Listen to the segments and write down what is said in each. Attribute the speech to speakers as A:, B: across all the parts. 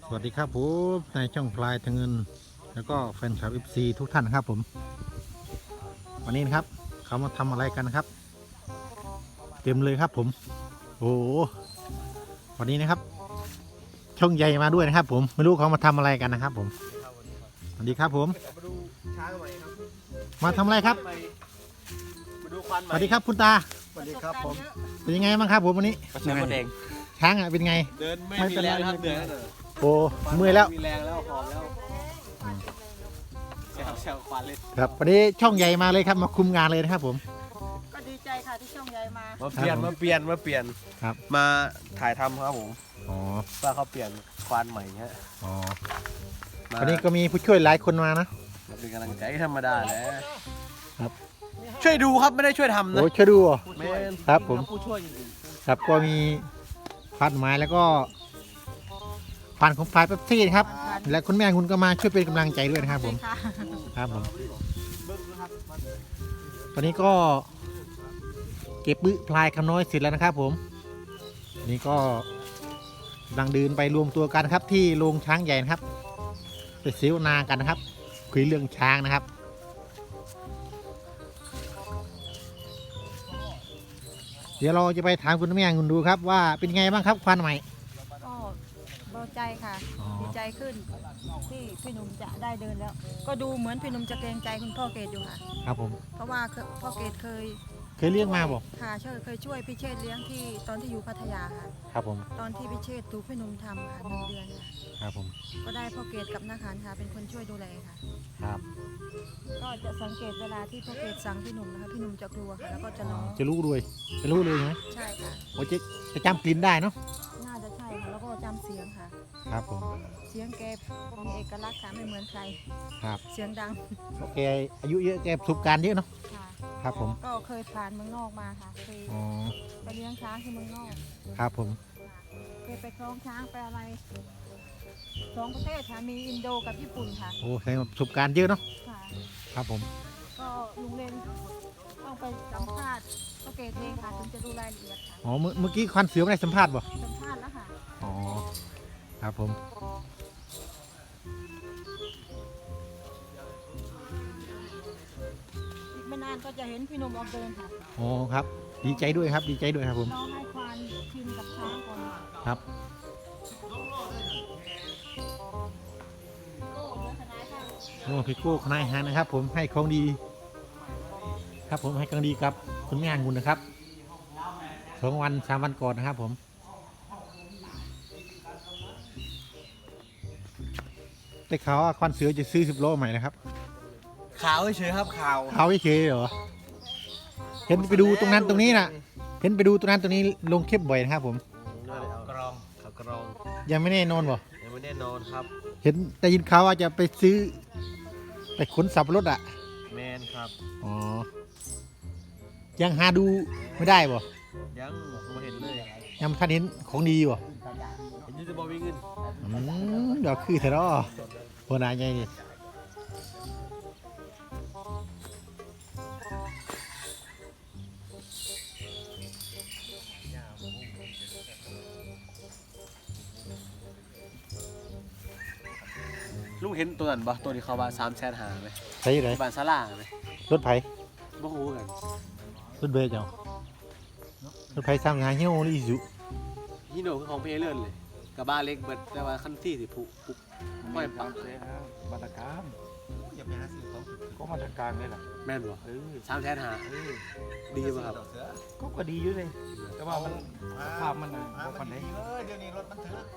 A: สวัสดีครับผมในช่องพลายทางเงินแล้วก็แฟนคลับ FC ทุกท่านนะครับผมวันนี้นะครับเขามาทำอะไรกันนะครับเต็มเลยครับผมโอ้โหวันนี้นะครับช่องใหญ่มาด้วยนะครับผมไม่รู้เขามาทำอะไรกันนะครับผมสวัสดีครับผม
B: มาดูช้างใหม่ครับ
A: มาทำอะไรครับ
B: มาดูควันให
A: ส
B: ม่
A: วัสดีครับคุณตา
B: สวัสดีครับผม
A: เป็นยังไงบ้างครับผมวันนี้
B: กระสือคนเอง
A: ช้างอ่ะเป็นไง
B: เดินไม่มีแรงครับเดิน
A: โอ้เมื่อยแล้ว
B: มีแรงแล้วหอมแล้วแซวควันเลย
A: ครับวันนี้ช่องใหญ่มาเลยครับมาคุมงานเลยนะครับผม
C: ก็ดีใจค่ะที่ช่องใหญ่มา
B: มาเปลี่ยน
A: ครับ
B: มาถ่ายทำครับผม
A: อ๋อ
B: ว่าเขาเปลี่ยนควันใหม่ฮะ
A: อ๋อ
B: มา
A: วันนี้ก็มีผู้ช่วยหลายคนมานะ
B: เป็นกำลังใจธรรมดาแหละ
A: ครับ
B: ช่วยดูครับไม่ได้ช่วยทำนะ
A: โอ้ช่วยดูเหรอ
B: แม่น
A: ครับผม
B: ผู้ช่วยจริง
A: ครับก็มีพันไม้แล้วก็พันของฝ่ายเป๊ปซี่นะครับ และคุณแม่คุณก็มาช่วยเป็นกำลังใจด้วยนะครับผม
C: ค่ะ
A: ครับผมตอนนี้ก็เก็บบึ้พลายคำน้อยเสร็จแล้วนะครับผมนี่ก็กำลังเดินไปรวมตัวกันครับที่โรงช้างใหญ่นะครับไปเสวนากันนะครับคุยเรื่องช้างนะครับเดี๋ยวเราจะไปถามคุณแม่คุณดูครับว่าเป็นไงบ้างครับควันใหม่
C: ก็เบาใจค่ะ
A: อ๋อ
C: ดีใจขึ้นที่พี่หนุ่มจะได้เดินแล้ว ก็ดูเหมือนพี่หนุ่มจะเกรงใจคุณพ่อเกดอยู่ค่ะ
A: ครับผม
C: เพราะว่าพ่อเกดเคย
A: เคยเลี้ยงมาบอก
C: ค่ะเคยช่วยพี่เชษฐ์เลี้ยงที่ตอนที่อยู่พัทยาค่ะ
A: ครับผม
C: ตอนที่พี่เชษฐ์ถูกพี่หนุ่มทำค่ะ1 เดือนค่ะ
A: ครับผม
C: ก็ได้พ่อเกดกับนาคารค่ะเป็นคนช่วยดูแลค่ะ
A: ครับ
C: ก็จะสังเกตเวลาที่พ่อเกดสั่งพี่หนุ่มนะคะพี่หนุ่มจะกลัวค่ะแล้วก็จะร้อง
A: จะรู้ด้วยจะรู้เลยใช่ไหม
C: ใช่ค่ะ
A: โอ้จะจำกลิ่นได้เนาะ
C: น่าจะใช่ค่ะแล้วก็จำเสียงค่ะ
A: ครับผม
C: เสียงแกมีเอกลักษณ์ค่ะไม่เหมือนใคร
A: ครับ
C: เสียงดัง
A: โอเคอายุเยอะแกประสบการณ์เยอะเนาะ
C: ค่ะ
A: ครับผม
C: ก็เคยผ่านเมืองนอกมาค่ะเคย
A: อ๋อ
C: ไปเลี้ยงช้างที่เมืองนอก
A: ครับผม
C: เคยไปคล้องช้างไปอะไร2 ประเทศค่ะมีอินโดกับญี่ปุ่นค่ะ
A: โอ้แสดงว่าประสบการณ์เยอะเนาะ
C: ค่ะ
A: ครับผม
C: ก็ลุงเรนต้องไปสัมภาษณ์ก็เกตเองค่ะถึงจะดูรายละเอียดค่ะ
A: อ๋อเมื่อกี้ควันเสือไม่ได้สัมภาษณ์บ่
C: สัมภาษณ์แล้วค่ะ
A: อ๋อครับผม
C: อีกไม่นานก็จะเห็นพี่หนุ่มออกเดินค่ะ
A: อ๋อครับดีใจด้วยครับดีใจด้วยครับผม
C: น้องให้ควานชินกับช้างก่อนค่ะ
A: ครับ
C: ก็เหลือทนายค่ะ
A: โอ้พี่โก้คณะอาหารนะครับ ผมให้ของดี ครับผมให้ของดีกับคุณแม่คุณนะครับ2 วัน 3 วันก่อนนะครับผมได้ข่าวว่าควันเสือจะซื้อ10 โลใหม่นะครับ
B: ขาวเฉยครับขาว
A: เขาไม่เคยเหรอเห็นไปดูตรงนั้นตรงนี้น่ะเห็นไปดูตรงนั้นตรงนี้ลงคลิปบ่อยนะครับผม
B: กรองขาวกรอง
A: ยังไม่แน่นอนบ่
B: ยังไม่แน่นอนครับ
A: เห็นแต่ยินข่าวว่าจะไปซื้อไปขนสับปะรถอ่ะ
B: แมนครับ
A: อ๋อยังหาดูไม่ได้บ่
B: ยังมาเห็นเลย
A: ยังท่านเห็นของดีบ่
B: เห็นยูทูบบอวิ่งขึ้น
A: เดี๋ยวคือเถอะเนาะโหนายไงนี่
B: ลุงเห็นตัวนั้นปะตัวที่เขาว่า300,000หาไหม
A: ใช่ไหน
B: ที่บ้านซาลาไหม
A: รถไผ
B: บ่ฮู้กัน
A: รถเบสเจ้ารถไผสร้างงานเฮี้ยวนี่สุ
B: ฮีโน่คือของพี่เอเลินเลยกับบ้านเล็กเบิดแต่ว่าคันที่สิผุปุ๊บไม่ปัก
D: มาตรการ
A: อย่าไปหาซื้อของ
D: ก็มาตรการนี่แหละ
B: แม่นบ่300,000หาดีป่ะครับ
D: ก็ดีอยู่เลยแต่ว่ามันสภาพมันบ่ปานใด
A: เดี๋ยวนี้รถมันถือ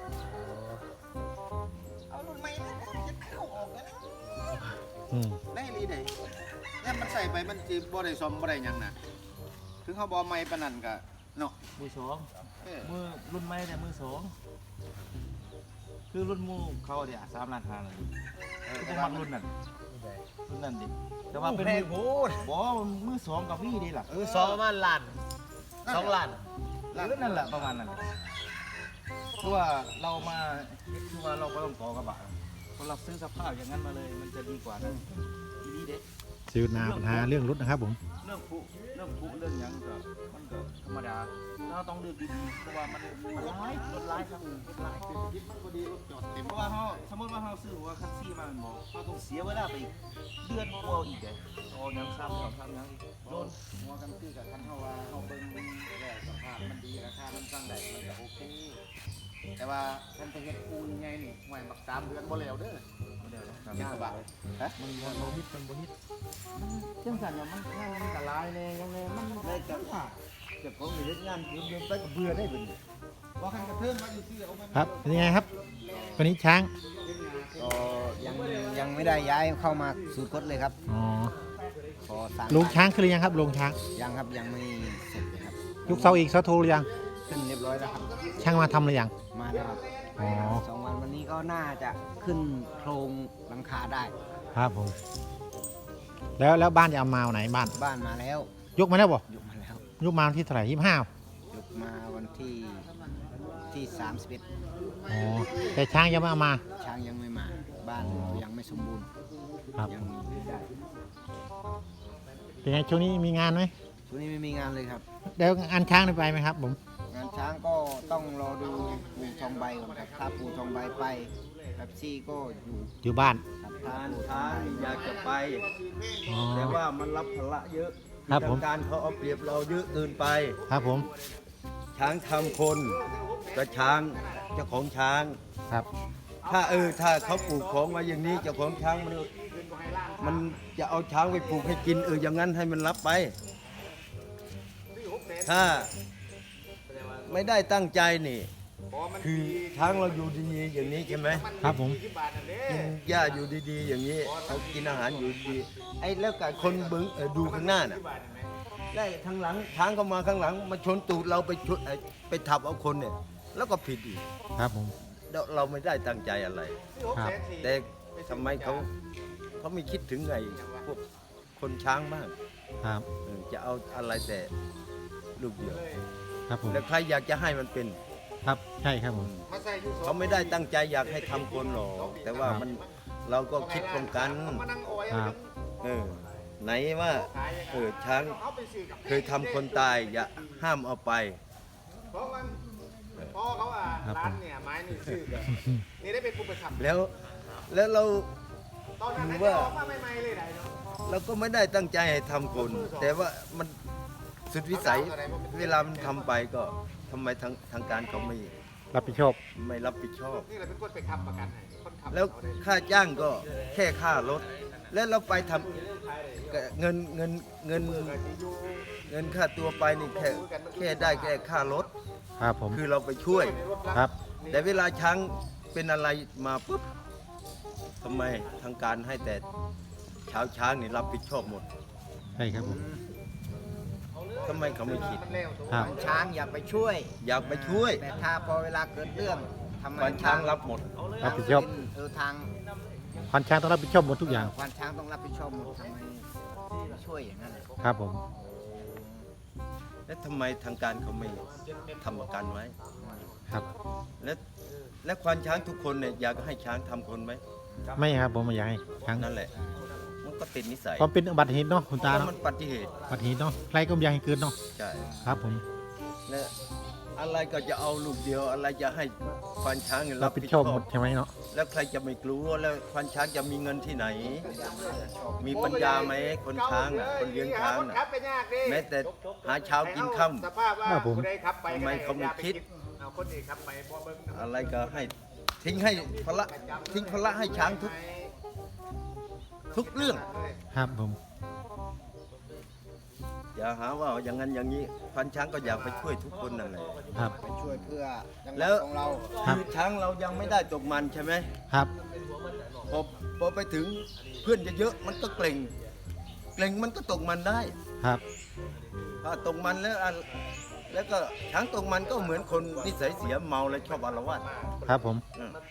A: เอารุ่นใหม่จะเข้าออกแล้วนะได้ลีได้เนี่ยมันใส่ไปมันจีบ่ได้ซ่อมบ่ได้หยังน่ะถึงเขาบ่ใหม่ปานนั้นก็เนาะ
D: มือสองมือรุ่นใหม่เนี่ยมือสองคือรุ่นหมูเขาเนี่ย3,500,000เลยก็จะมักรุ่นนั้นดิแต่ว่าเป็นมือบ่มือสองกับพี่ดีล่ะ
B: ซอประมาณล้าน2ล้าน
D: นั่นแหละประมาณนั้นคือว่าเรามาคือว่าเราก็ต้องต่อกระบะเพราะเราซื้อสภาพอย่างนั้นมาเลยมันจะดีกว่านะดีเด็
A: ซื้อนาปัญหาเรื่องรถนะครับผม
D: เรื่องผู้เรื่องหยังก็มันก็ธรรมดาถ้าเราต้องเลือกดีๆเพราะว่ามันร้ายรถร้ายครับรถร้ายเพราะว่าเขาสมมติว่าเขาซื้อว่าคันซี่มาบอกเขาต้องเสียเวลาไปเดือนกว่าอีกเลยโอ้ยังซ้ำยังอีกโดน
E: หัวกันคือกับคันเฮาว่าเฮาเบิ่งแล้วสภาพมันดีราคามันสั่งได้มันก็โอเคแต่ว่าคันไปเฮ็ดปูนใหญ่นี่ห่วยบัก3 เดือนบ่แล้วเด้อยากบ่ฮะมันบ่ฮิตมันบ่ฮิตจังซั่นว่ามันก็หลายแน่ยังไงมันได้จังว่าเจ้าของนี่เฮ็ดงานเดือนไปก็เบื่อได้เบิ่นี่บ่คันกระเทินมาอยู่ซื่อเอามา
A: ครับเป็นยังไงครับวันนี้ช้าง
E: ก็ยังไม่ได้ย้ายเข้ามาสู่กฎเลยครับ
A: อ๋อ
E: ขอสั่ง
A: ลงช้างขึ้นหรือยังครับลงช้าง
E: ยังครับยังไม่เสร็จเลยครับ
A: ยกเสาอีกเสาโทรหรือยัง
E: ขึ้นเรียบร้อยแล้วครับ
A: ช่างมาทำหรือยัง
E: มาแล้วครับ
A: อ๋อ
E: 2 วันวันนี้ก็น่าจะขึ้นโครงหลังคาได้
A: ครับผมแล้วบ้านจะเอามาวันไหนบ้าน
E: บ้านมาแล้ว
A: ยกมาแล้วบ่
E: ยกมาแล้ว
A: ยกมาวันที่เท่าไหร่25
E: ยกมาวันที่31
A: อ๋อแต่ช้างยังไม่เอามา
E: ช้างยังไม่มา บ้านยังไม่สมบูรณ์
A: ครับ
E: ยังไม่ได้
A: เป็นไงช่วงนี้มีงานไหม
E: ช่วงนี้ไม่มีงานเลยครับ
A: แล้วงานช้างได้ไปไหมครับผม
E: งานช้างก็ต้องรอดูปูทองใบก่อนครับถ้าปูทองใบไปแป๊บซี่ก็อยู่
A: อยู่บ้าน
E: ครับถ้า
D: การ
E: ปูทอง
D: ช้าง
E: ใบ
D: อยากจะไป
A: อ๋อ
D: แต่ว่ามันรับภาระเยอะ
A: ครับผม
D: ทางการเขาเอาเปรียบเราเยอะเกินไป
A: ครับผม
D: ช้างทำคนกับช้างเจ้าของช้าง
A: ครับ
D: ถ้าถ้าเขาปลูกของมาอย่างนี้เจ้าของช้างมันจะเอาช้างไปปลูกให้กินอย่างนั้นให้มันรับไป ถ้าไม่ได้ตั้งใจนี่ คือช้างเราอยู่ดีๆอย่างนี้ใช่ไหม
A: ครับผม
D: กินหญ้าอยู่ดีๆ อย่างนี้เขากินอาหารอยู่ดีไอ้แล้วกับคนเบิ้งดูข้างหน้าน่ะได้ทางหลังช้างเข้ามาข้างหลังมาชนตูดเราไปชนไปทับเอาคนเนี่ยแล้วก็ผิดอีก
A: ครับผม
D: เราไม่ได้ตั้งใจอะไร
A: ครับ
D: แต่ทำไมเขาไม่คิดถึงไงพวกคนช้างบ้าง
A: ครับ
D: จะเอาอะไรแต่ลูกเดียว
A: ครับผม
D: แล้วใครอยากจะให้มันเป็น
A: ครับใช่ครับผม
D: เขาไม่ได้ตั้งใจอยากให้ทำคนหรอกแต่ว่ามันเราก็คิดป้องกัน
A: ครับ
D: ไหนว่าช้างเคยทำคนตายอย่าห้ามเอาไป
F: พ่อเขาอ่ะ
A: ครับ
F: ร้านเนี่ยไม้นี่ชื่อแบบนี่ได้เป็นผู้ประทับ
D: แล้วเรา
F: ตอนนั้น
D: ถื
F: นะ
D: อว่า
F: จะออกมาใหม่ๆเลยได้เนาะ
D: เราก็ไม่ได้ตั้งใจให้ทำคน แต่ว่ามันสุดวิสัยเวลามันทำไปก็ทำไมทางการเขาไม่
A: รับผิดชอบ
D: รับผิดชอบ
F: นี่แหละเป็นคนไปขับประกันให้คนขับ
D: แล้วค่าจ้างก็แค่ค่ารถ แล้วเราไปทำเงินค่าตัวไปนี่แค่ได้แค่ค่ารถ
A: ครับผม
D: คือเราไปช่วย
A: ครับ
D: แต่เวลาช้างเป็นอะไรมาปุ๊บทำไมทางการให้แต่ช้างนี่รับผิดชอบหมด
A: ใช่ครับผม
D: ทำไมเขาไม่คิด
A: ครับ
E: ช้างอยากไปช่วย
D: อยากไปช่วย
E: แต่ถ้าพอเวลาเกิดเรื่องทำไม
D: ควานช้างรับหมด
A: รับผิดชอบ
E: ทาง
A: ควานช้างต้องรับผิดชอบหมดทุกอย่าง
E: ควานช้างต้องรับผิดชอบหมดทำไมไม่ช่วยอย่างนั้นเลย
A: ครับผม
D: แล้วทำไมทางการเขาไม่ทำประกันไว้
A: ครับ
D: และควานช้างทุกคนเนี่ยอยากให้ช้างทำคนไหม
A: ไม่ครับผมไม่อยากให้ช้าง
D: นั่นแหละ มันก็ติดนิสัย
A: ความเป็นอุบัติเหตุเนาะคุณตา
D: เพราะ
A: เนาะ
D: มันอุบัติเหตุ
A: อุบัติเหตุเนาะใครก็ไม่อยากให้เกิดเนาะ
D: ใช่
A: ครับผม
D: และอะไรก็จะเอาลูกเดียว อะไรจะให้ควานช้างเนี่ย
A: รับผิดชอบหมดใช่ไหมเนาะ
D: แล้วใครจะไม่กลัวแล้วควานช้างจะมีเงินที่ไหน มีปัญญาไหมคนช้างน่ะคนเลี้ยงช้าง
F: คน
D: น่ะ
F: ขับไปยากดิ
D: แม้แต่หาเช้ากินค่
F: สภาพว่า
A: ครับผม
F: ผู้ใดขับไป
D: ทำไมเขาไม่คิด
F: เอาคนอื่นขับไปพอเบิ่ง
D: ำอะไรก็ให้ทิ้งให้พละทิ้งพละให้ช้างทุกเรื่อง
A: ครับผม
D: อย่าหาว่าอย่างนั้นอย่างนี้ควานช้างก็อยากไปช่วยทุกคนนั่นแหละ
A: ครับ
E: ไปช่วยเพื่อจังห
D: แล้
E: วั
D: ว
E: ดของเรา
A: ครับ
D: คือช้างเรายังไม่ได้ตกมันใช่ไหม
A: ครับ
D: พอไปถึงเพื่อนจะเยอะมันก็เกรงมันก็ตกมันได้
A: ครับ
D: ถ้าตกมันแล้วก็ช้างตกมันก็เหมือนคนนิสัยเสียเมาและชอบอาละวาด
A: ครับผม
D: อืม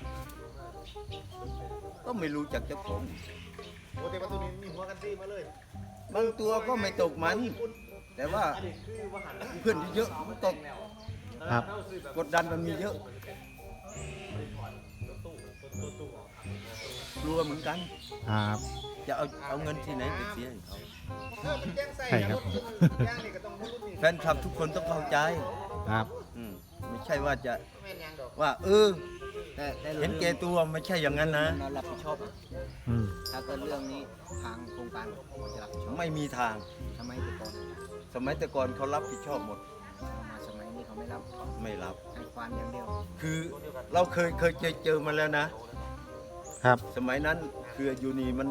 D: ก็ไม่รู้จักเจ้าของ
F: โอ้แต่ประตูนี้มีหัวกันซี่มาเลย
D: บางตัวก็ไม่ตกมัน แต่ว่าเพื่อนที่เยอะมันตก
A: ครับ
D: กดดันมันมีเยอะ
G: กลัวเหมือนกัน
A: ครับ
G: จะเอาเงินที่ไหนไปเสียให้เขา
F: มันแจ้งใส่
A: ใช่ครับผม
F: ย่างนี่ก็ต้องรุ่นนี่
G: แฟนคลับทุกคนต้องเข้าใจ
A: ครับ
G: ไม่ใช่ว่าจะ
F: แม่นยังดอก
G: ว่า
E: แต่
G: เห็นแก่ตัวไม่ใช่อย่างนั้นนะ
E: เรารับผิดชอบ
A: อืม
E: ถ้าเกิดเรื่องนี้ทางโครงการเขาจะรับผิดชอบ
G: ไม่มีทาง
E: ทำไมแต่ก่อน
G: สมัยแต่ก่อนเขารับผิดชอบหมด
E: มาสมัยนี้เขาไม่รับ
G: ไม่รับ
E: ให้ความอย่างเดียว
G: คือเราเคยเจอมาแล้วนะ
A: ครับ
G: สมัยนั้นคือยูนีมัน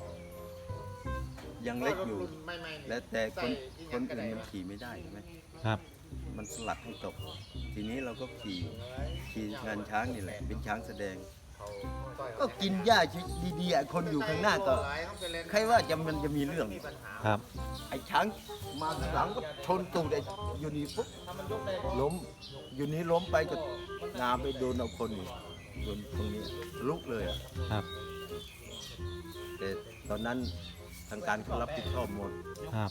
G: ยังเล็กอยู่
F: รุ่นใหม่ๆนี่
G: และแต่คน
F: ใส่อีห
G: ค
F: ยัง
G: น
F: ก็
G: อื่
F: ได้
G: นมันขี่ไม่ได้ใช่ไหม
A: ครับ
G: มันสลัดให้ตก ทีนี้เราก็ขี่งานช้างนี่แหละ เป็นช้างแสดง ก็กินหญ้าดีๆอ่ะคนอยู่ข้างหน้าก็ใครว่ามันจะมีเรื่อง
A: ครับ
G: ไอ้ช้างมาข้างหลังก็ชนตูดไอ้ยูนีปุ๊บล้มยูนีล้มไปก็งาไปโดนเอาคนนี่โดนตรงนี้ลุกเลยอ่ะ
A: ครับ
G: แต่ตอนนั้นทางการเขารับผิดชอบหมด
A: ครับ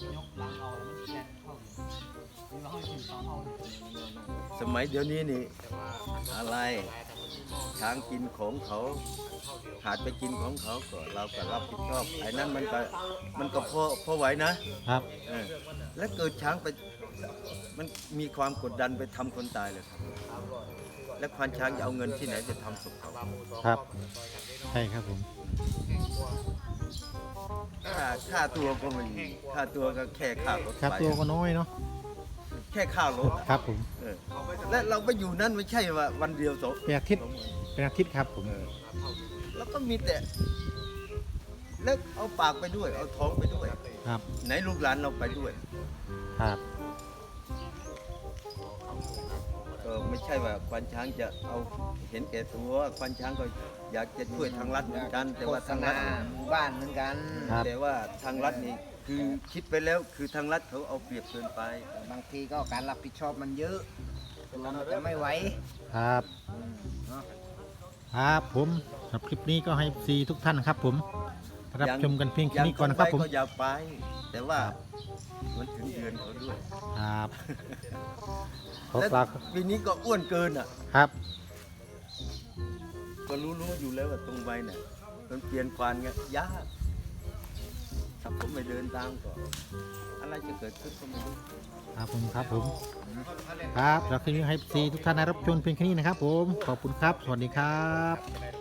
G: สมัยเดี๋ยวนี้นี่อะไรช้างกินของเขาขาดไปกินของเขาก็เราก็รับผิดชอบไอ้นั้นมันก็พอไหวนะครับ แล้วเกิดช้างไปมันมีความกดดันไปทำคนตายเลยครับ แล้วควานช้างจะเอาเงินที่ไหนไปทำศพเขา
A: ครับ ใช่ครับผม
G: ค่าตัวก็ไม่มีค่าตัวก็แค่ค่ารถ
A: ครับ
G: ไป
A: ตัวก็น้อยเนาะ
G: แค่ค่ารถอะ
A: ครับผม
G: เออและเราไปอยู่นั่นไม่ใช่ว่าวันเดียวสอง
A: เป็นอาทิตย์เป็นอาทิตย์ครับผม
G: แล้วก็มีแต่แล้วเอาปากไปด้วย เอาท้องไปด้วย
A: ครับ
G: ไหนลูกหลานเราไปด้วย
A: ครับ
G: ก็ไม่ใช่ว่าควานช้างจะเอาเห็นแก่ตัวควานช้างก็อยากจะช่วยทางรัฐเหมือนกัน แต่
E: โฆ
G: ว่า
E: ษ
G: ทางรั
E: ณา
G: ฐ
E: หมู่บ้านเหมือนกัน
A: ครับ
G: แต่ว่าทางรัฐนี่คือคิดไปแล้วคือทางรัฐเขาเอาเปรียบเกินไป
E: บางทีก็การรับผิดชอบมันเยอะเราจะไม่ไหว
A: ครับ
E: เนาะ
A: ครับผมสำหรับคลิปนี้ก็ให้ซีทุกท่านครับผมรับชมกันเพียงแค่นี้ก่อนนะครับผม
G: ก็อย่าไป แต่ว่ามันถึงเดือนเขาด้วย
A: ครับขอ
G: และ
A: กล่าว
G: ปีนี้ก็อ้วนเกินอ่ะ
A: ครับ
G: ก็รู้อยู่แล้วว่าตรงไปเนี่ยมันเปลี่ยนควานเงี้ยยากถ้าผมไปเดินตามก็อะไรจะเกิดขึ้นก็ไม่รู้
A: ครับผมครับผมครับแล้วคลิปนี้ให้ซีทุกท่านได้รับชมเพียงแค่นี้นะครับผมขอบคุณครับ สวัสดีครับ